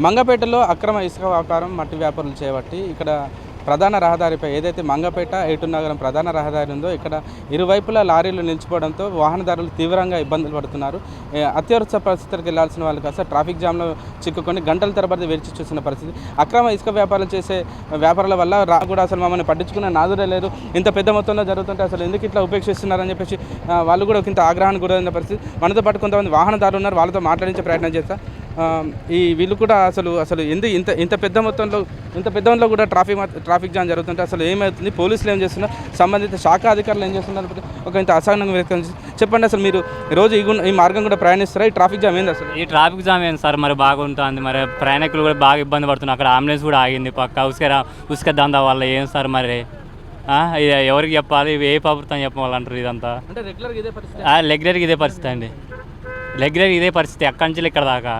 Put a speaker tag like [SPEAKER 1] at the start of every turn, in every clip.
[SPEAKER 1] మంగపేటలో అక్రమ ఇసుక వ్యాపారం మట్టి వ్యాపారులు చేపట్టి ఇక్కడ ప్రధాన రహదారిపై ఏదైతే మంగపేట ఏటూరు నగరం ప్రధాన రహదారి ఉందో ఇక్కడ ఇరువైపులా లారీలు నిలిచిపోవడంతో వాహనదారులు తీవ్రంగా ఇబ్బందులు పడుతున్నారు. అత్యవసర పరిస్థితులకు వెళ్లాల్సిన వాళ్ళు కాస్త ట్రాఫిక్ జామ్లో చిక్కుకొని గంటల తరబడి వేచి చూసిన పరిస్థితి. అక్రమ ఇసుక వ్యాపారాలు చేసే వ్యాపారాల వల్ల కూడా అసలు మమ్మల్ని పట్టించుకున్న నాదుడే లేరు. ఇంత పెద్ద మొత్తంలో జరుగుతుంటే అసలు ఎందుకు ఇట్లా ఉపేక్షిస్తున్నారని చెప్పేసి వాళ్ళు కూడా ఇంత ఆగ్రహానికి గురైన పరిస్థితి. మనతో పాటు కొంతమంది వాహనదారులు ఉన్నారు, వాళ్ళతో మాట్లాడించే ప్రయత్నం చేస్తా. వీళ్ళు కూడా అసలు ఇంత పెద్ద మొత్తంలో కూడా ట్రాఫిక్ జామ్ జరుగుతుంటే అసలు ఏమవుతుంది, పోలీసులు ఏం చేస్తున్నారు, సంబంధిత శాఖ అధికారులు ఏం చేస్తున్నారు, ఒక ఇంత అసహనంగా వ్యక్తం చెప్పండి. అసలు మీరు రోజు ఈ మార్గం కూడా ప్రయాణిస్తారా? ఈ ట్రాఫిక్ జామ్ ఏంది అసలు?
[SPEAKER 2] ఈ ట్రాఫిక్ జామ్ ఏంది సార్, మరి బాగుంటుంది. మరి ప్రయాణికులు కూడా బాగా ఇబ్బంది పడుతున్నారు. అక్కడ అంబులెన్స్ కూడా ఆగింది పక్క ఉసుక దందా వల్ల. ఏం సార్ మరి ఎవరికి చెప్పాలి, ఏ ప్రభుత్వం చెప్పాలంటారు? ఇదంతా
[SPEAKER 1] అంటే రెగ్యులర్గా
[SPEAKER 2] ఇదే పరిస్థితి అండి. రెగ్యులర్గా ఇదే పరిస్థితి ఎక్కడి నుంచి ఇక్కడ దాకా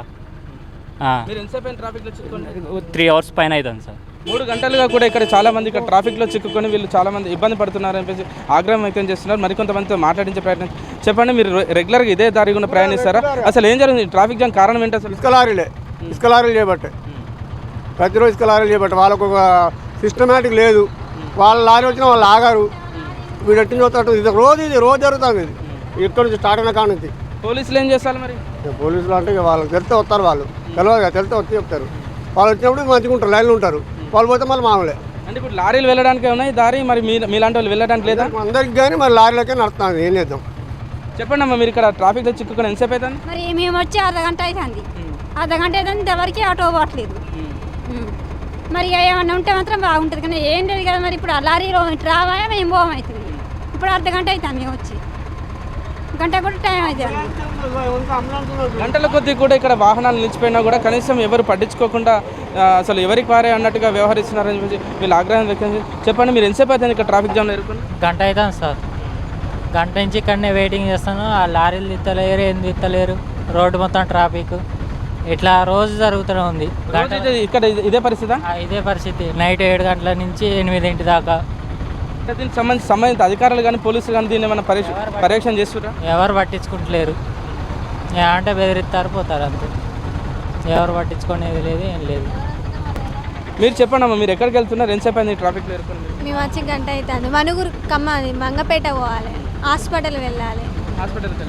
[SPEAKER 2] 3 hours పైన అవుతుంది సార్.
[SPEAKER 1] 3 గంటలుగా కూడా ఇక్కడ చాలా మంది ఇక్కడ ట్రాఫిక్లో చిక్కుకొని వీళ్ళు చాలా మంది ఇబ్బంది పడుతున్నారు అని ఆగ్రహం వ్యక్తం చేస్తున్నారు. మరికొంతమందితో మాట్లాడించే ప్రయత్నం చెప్పండి. మీరు రెగ్యులర్గా ఇదే దారి గురించి ప్రయాణిస్తారా? అసలు ఏం జరిగింది? ట్రాఫిక్ జామ్ కారణం ఏంటి అసలు?
[SPEAKER 3] ఇసుక లారీలు చేయబట్టే, ప్రతిరోజు ఇసుక లారీలు చేయబట్టే. వాళ్ళకు ఒక సిస్టమేటిక్ లేదు. వాళ్ళ లారీ వచ్చినా వాళ్ళు ఆగారు. వీడు ఎట్టి చూస్తాడు. ఇది రోజు జరుగుతుంది. ఇది ఇక్కడ నుంచి స్టార్ట్ అయిన కాడ నుంచి.
[SPEAKER 1] పోలీసులు ఏం చేస్తారు మరి?
[SPEAKER 3] పోలీసులు అంటే వాళ్ళకి తెలితే వస్తారు. వాళ్ళు తెలియదు వచ్చి చెప్తారు. వాళ్ళు వచ్చినప్పుడు మంచిగా ఉంటారు, లైన్లు ఉంటారు. వాళ్ళు పోతే మళ్ళీ మామూలే.
[SPEAKER 1] అంటే ఇప్పుడు లారీలు వెళ్ళడానికి ఉన్నాయి దారి, మరి మీలాంటి వాళ్ళు వెళ్ళడానికి లేదా?
[SPEAKER 3] అందరికి కానీ మరి లారీలకే నడుస్తుంది. ఏం చేద్దాం
[SPEAKER 1] చెప్పండి అమ్మా. మీరు ఇక్కడ ట్రాఫిక్లో చిక్కుకొని ఎంతసేపు అవుతుంది?
[SPEAKER 4] మరి మేము వచ్చి అర్ధగంట అవుతుంది. అర్ధగంట అవుతుంది, ఇంతవరకు ఆటో పోవట్లేదు. మరి ఏమన్నా ఉంటే మాత్రం బాగుంటుంది, కానీ ఏం లేదు కదా. మరి ఇప్పుడు ఆ లారీలో రావాయా మేము పోవమవుతుంది. ఇప్పుడు అర్ధగంట అవుతుంది మేము వచ్చి, గంట కూడా టైం అవుతుంది.
[SPEAKER 1] గంటల కొద్దీ కూడా ఇక్కడ వాహనాలు నిలిచిపోయినా కూడా కనీసం ఎవరు పట్టించుకోకుండా అసలు ఎవరికి వారే అన్నట్టుగా వ్యవహరిస్తున్నారని చెప్పి వీళ్ళు ఆగ్రహం వ్యక్తం చెప్పండి. మీరు ఎంతసేపు అవుతుంది ఇక్కడ ట్రాఫిక్ జామ్లో ఎదుర్కొని?
[SPEAKER 5] గంట అవుతుంది సార్. గంట నుంచి ఇక్కడనే వెయిటింగ్ చేస్తాను. ఆ లారీలు తిత్తలేరు, ఏం తిత్తలేరు. రోడ్డు మొత్తం ట్రాఫిక్ ఇట్లా రోజు జరుగుతూనే ఉంది.
[SPEAKER 1] ఇక్కడ ఇదే పరిస్థితి.
[SPEAKER 5] ఇదే పరిస్థితి నైట్ 7 గంటల నుంచి 8 దాకా.
[SPEAKER 1] దీనికి సంబంధిత అధికారులు కానీ పోలీసులు కానీ దీన్ని ఏమైనా పర్యవేక్షణ చేస్తున్నారు?
[SPEAKER 5] ఎవరు పట్టించుకుంటలేరు. అంటే బెదిరిస్తారు, పోతారు అంతే. ఎవరు పట్టించుకునేది లేదు, ఏం లేదు.
[SPEAKER 1] మీరు చెప్పండి అమ్మా, మీరు ఎక్కడికి వెళ్తున్నారు? ఎంతసేపు అయింది ట్రాఫిక్లో ఎదుర్కొని?
[SPEAKER 6] మేము వచ్చి గంట అవుతుంది. మనుగురు మంగపేట పోవాలి, హాస్పిటల్ వెళ్ళాలి.
[SPEAKER 1] హాస్పిటల్కి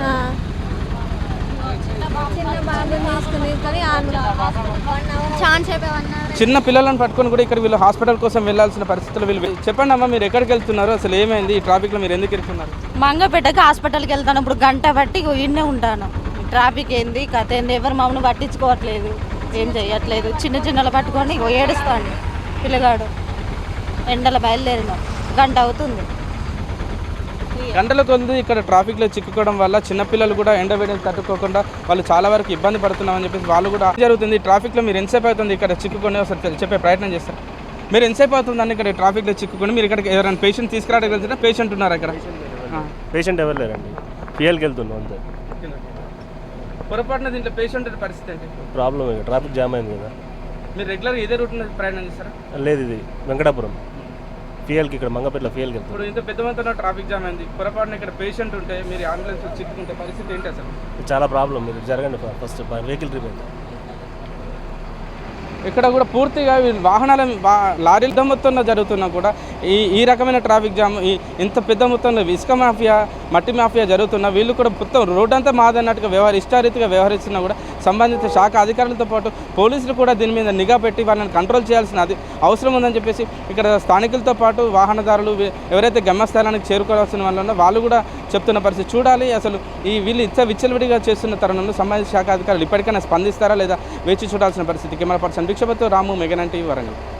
[SPEAKER 6] చిన్న బాబుని తీసుకుని ఛాన్స్ అయిపోయి
[SPEAKER 1] చిన్న పిల్లలను పట్టుకొని కూడా ఇక్కడ వీళ్ళు హాస్పిటల్ కోసం వెళ్ళాల్సిన పరిస్థితులు వీళ్ళు. చెప్పండి అమ్మా, మీరు ఎక్కడికి వెళ్తున్నారు? అసలు ఏమైంది ఈ ట్రాఫిక్లో? మీరు ఎందుకు ఇరుక్కున్నారు?
[SPEAKER 7] మంగపేటకి హాస్పిటల్కి వెళ్తాను. ఇప్పుడు గంట బట్టి ఇన్నే ఉంటాను. ట్రాఫిక్ ఏంది కథ ఏంది, ఎవరు మమ్మల్ని పట్టించుకోవట్లేదు, ఏం చేయట్లేదు. చిన్నలు పట్టుకొని ఏడుస్తాను. పిల్లగాడు ఎండలో బయలుదేరినాం, గంట అవుతుంది.
[SPEAKER 1] గంటల కొద్ది ఇక్కడ ట్రాఫిక్లో చిక్కుకోవడం వల్ల చిన్నపిల్లలు కూడా ఎండ వేడిని తట్టుకోకుండా వాళ్ళు చాలా వరకు ఇబ్బంది పడుతున్నామని చెప్పేసి వాళ్ళు కూడా జరుగుతుంది. ట్రాఫిక్లో మీరు ఎంతసేపు అవుతుంది ఇక్కడ చిక్కుకొని ఒకసారి చెప్పే ప్రయత్నం చేస్తారు. మీరు ఎంతసేపు అవుతుందని ఇక్కడ ట్రాఫిక్లో చిక్కుకొని మీరు ఇక్కడికి ఎవరైనా పేషెంట్ తీసుకురావడానికి వెళ్తున్నా? పేషెంట్ ఉన్నారు ఇక్కడ?
[SPEAKER 8] పేషెంట్ ఎవరు లేరండి, ఫియల్కి వెళ్తున్నాం అంతే.
[SPEAKER 1] పొరపాటున దీంట్లో పేషెంట్ పరిస్థితి ఏంటి?
[SPEAKER 8] ప్రాబ్లం ట్రాఫిక్ జామ్ అయింది కదా.
[SPEAKER 1] మీరు రెగ్యులర్గా ఇదే రూట్ ప్రయాణం చేస్తారా?
[SPEAKER 8] లేదు, ఇది వెంకటాపురం ఫియల్కి, ఇక్కడ మంగపేటలో ఫియల్కి వెళ్తాం.
[SPEAKER 1] ఇప్పుడు ఇంత పెద్ద మొత్తంలో ట్రాఫిక్ జామ్ అయింది, పొరపాటున ఇక్కడ పేషెంట్ ఉంటే మీరు అంబులెన్స్ చిక్కుకుంటే పరిస్థితి ఏంటి అసలు?
[SPEAKER 8] చాలా ప్రాబ్లం. మీరు జరగండి ఫస్ట్ వెహికల్ ట్రీట్మెంట్.
[SPEAKER 1] ఇక్కడ కూడా పూర్తిగా వాహనాల లారీల మొత్తంలో జరుగుతున్నా కూడా ఈ రకమైన ట్రాఫిక్ జామ్, ఇంత పెద్ద మొత్తంలో ఇసుక మాఫియా, మట్టి మాఫియా జరుగుతున్నా వీళ్ళు కూడా మొత్తం రోడ్డు అంతా మాదన్నట్టుగా ఇష్టారీతిగా వ్యవహరిస్తున్నా కూడా సంబంధిత శాఖ అధికారులతో పాటు పోలీసులు కూడా దీని మీద నిఘా పెట్టి వాళ్ళని కంట్రోల్ చేయాల్సిన అవసరం ఉందని చెప్పేసి ఇక్కడ స్థానికులతో పాటు వాహనదారులు ఎవరైతే గమ్యస్థానానికి చేరుకోవాల్సిన వాళ్ళు వాళ్ళు కూడా చెప్తున్న పరిస్థితి. చూడాలి అసలు వీళ్ళు విచ్చలవిడిగా చేస్తున్న తరుణంలో సంబంధిత శాఖ అధికారులు ఇప్పటికైనా స్పందిస్తారా లేదా వేచి చూడాల్సిన పరిస్థితి. కెమెరా పర్సన్ భిక్షపతితో రాము, మెగానన్ టీవీ, వరంగల్.